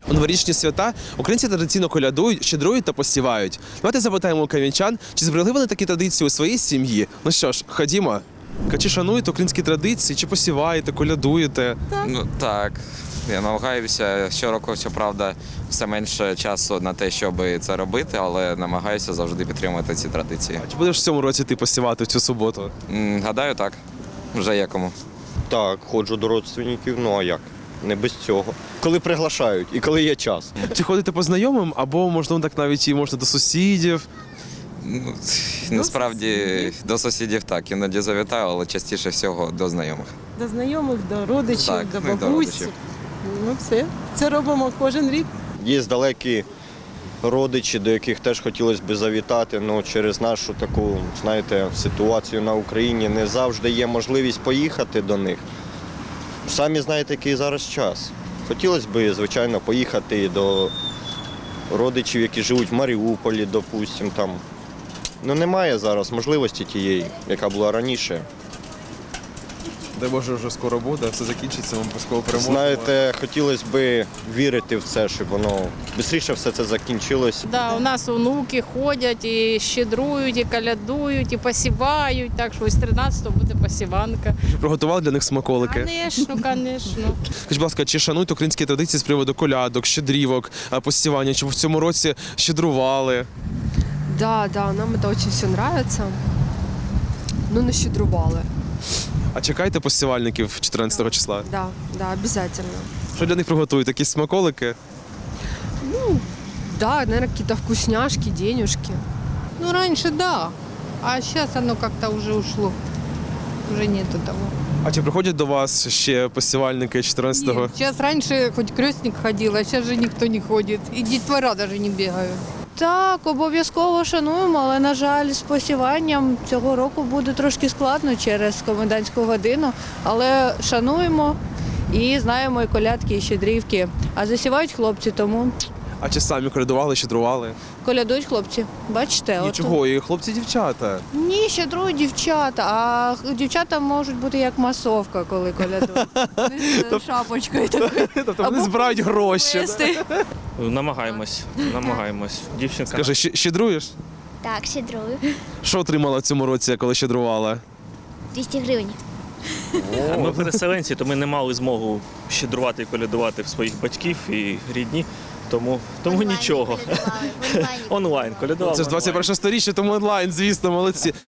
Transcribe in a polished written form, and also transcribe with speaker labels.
Speaker 1: У новорічні свята українці традиційно колядують, щедрують та посівають. Давайте запитаємо у кам'янчан, чи зберегли вони такі традиції у своїй сім'ї. Ну що ж, ходімо. Чи шануєте українські традиції, чи посіваєте, колядуєте?
Speaker 2: Ну так, я намагаюся щороку, щоправда, все менше часу на те, щоб це робити, але намагаюся завжди підтримувати ці традиції.
Speaker 1: Чи будеш в цьому році ти посівати в цю суботу?
Speaker 2: Гадаю, так. Вже є кому.
Speaker 3: Так, ходжу до родственників, ну а як? Не без цього. Коли приглашають і коли є час.
Speaker 1: Чи ходите по знайомим, або, можливо, так навіть і можна до сусідів?
Speaker 2: Ну, насправді до сусідів так, іноді завітаю, але частіше всього до знайомих.
Speaker 4: До знайомих, до родичів,
Speaker 2: Так,
Speaker 4: до
Speaker 2: ну, і до
Speaker 4: бабусь.
Speaker 2: родичів.
Speaker 4: Ну все. Це робимо кожен рік.
Speaker 3: Є далекі родичі, до яких теж хотілося б завітати, але через нашу таку, знаєте, ситуацію на Україні не завжди є можливість поїхати до них. Самі знаєте, який зараз час. Хотілося б, звичайно, поїхати до родичів, які живуть в Маріуполі, допустимо, там. Ну немає зараз можливості тієї, яка була раніше.
Speaker 1: Дай Боже, вже скоро буде, все закінчиться, ми обов'язково переможемо.
Speaker 3: Знаєте, хотілося б вірити в це, щоб воно швидше все це закінчилось.
Speaker 5: Да, у нас онуки ходять і щедрують, і колядують, і посівають. Так що ось 13-го буде посіванка.
Speaker 1: Приготували для них смаколики?
Speaker 5: Звісно, звісно.
Speaker 1: Скажіть, будь ласка, чи шанують українські традиції з приводу колядок, щедрівок, посівання? Чи в цьому році щедрували?
Speaker 6: Да, нам это очень все нравится. Ну, нащедрували.
Speaker 1: А чекаєте посівальників 14 числа?
Speaker 6: Да, обязательно.
Speaker 1: Що для них приготують? Якісь смаколики?
Speaker 6: Да, наверное, какие-то вкусняшки, денежки.
Speaker 5: Ну, раньше да, а сейчас оно как-то уже ушло. Уже нету того.
Speaker 1: А чи приходять до вас ще посівальники 14-го?
Speaker 5: Нет, сейчас раньше хоть крестник ходил, а сейчас же никто не ходит. И детвора даже не бегают.
Speaker 7: Так, обов'язково шануємо, але, на жаль, з посіванням цього року буде трошки складно через комендантську годину. Але шануємо і знаємо і колядки, і щедрівки. А засівають хлопці, тому
Speaker 1: А чи самі колядували, щедрували?
Speaker 7: колядують хлопці. Бачите?
Speaker 1: Нічого, і хлопці, дівчата.
Speaker 7: Ні, щедрують дівчата, а дівчата можуть бути як масовка, коли колядують. Вони з шапочкою такою.
Speaker 1: Тобто вони збирають гроші. Да?
Speaker 8: Намагаємось. Дівчинка.
Speaker 1: Скажи, щедруєш?
Speaker 9: Так, щедрую.
Speaker 1: Що отримала в цьому році, коли щедрувала?
Speaker 9: 200 гривень.
Speaker 8: Ми переселенці, то ми не мали змогу щедрувати і колядувати в своїх батьків і рідні. Тому нічого. Онлайн колядували.
Speaker 1: Це ж 21 сторіччя, тому онлайн, звісно, молодці.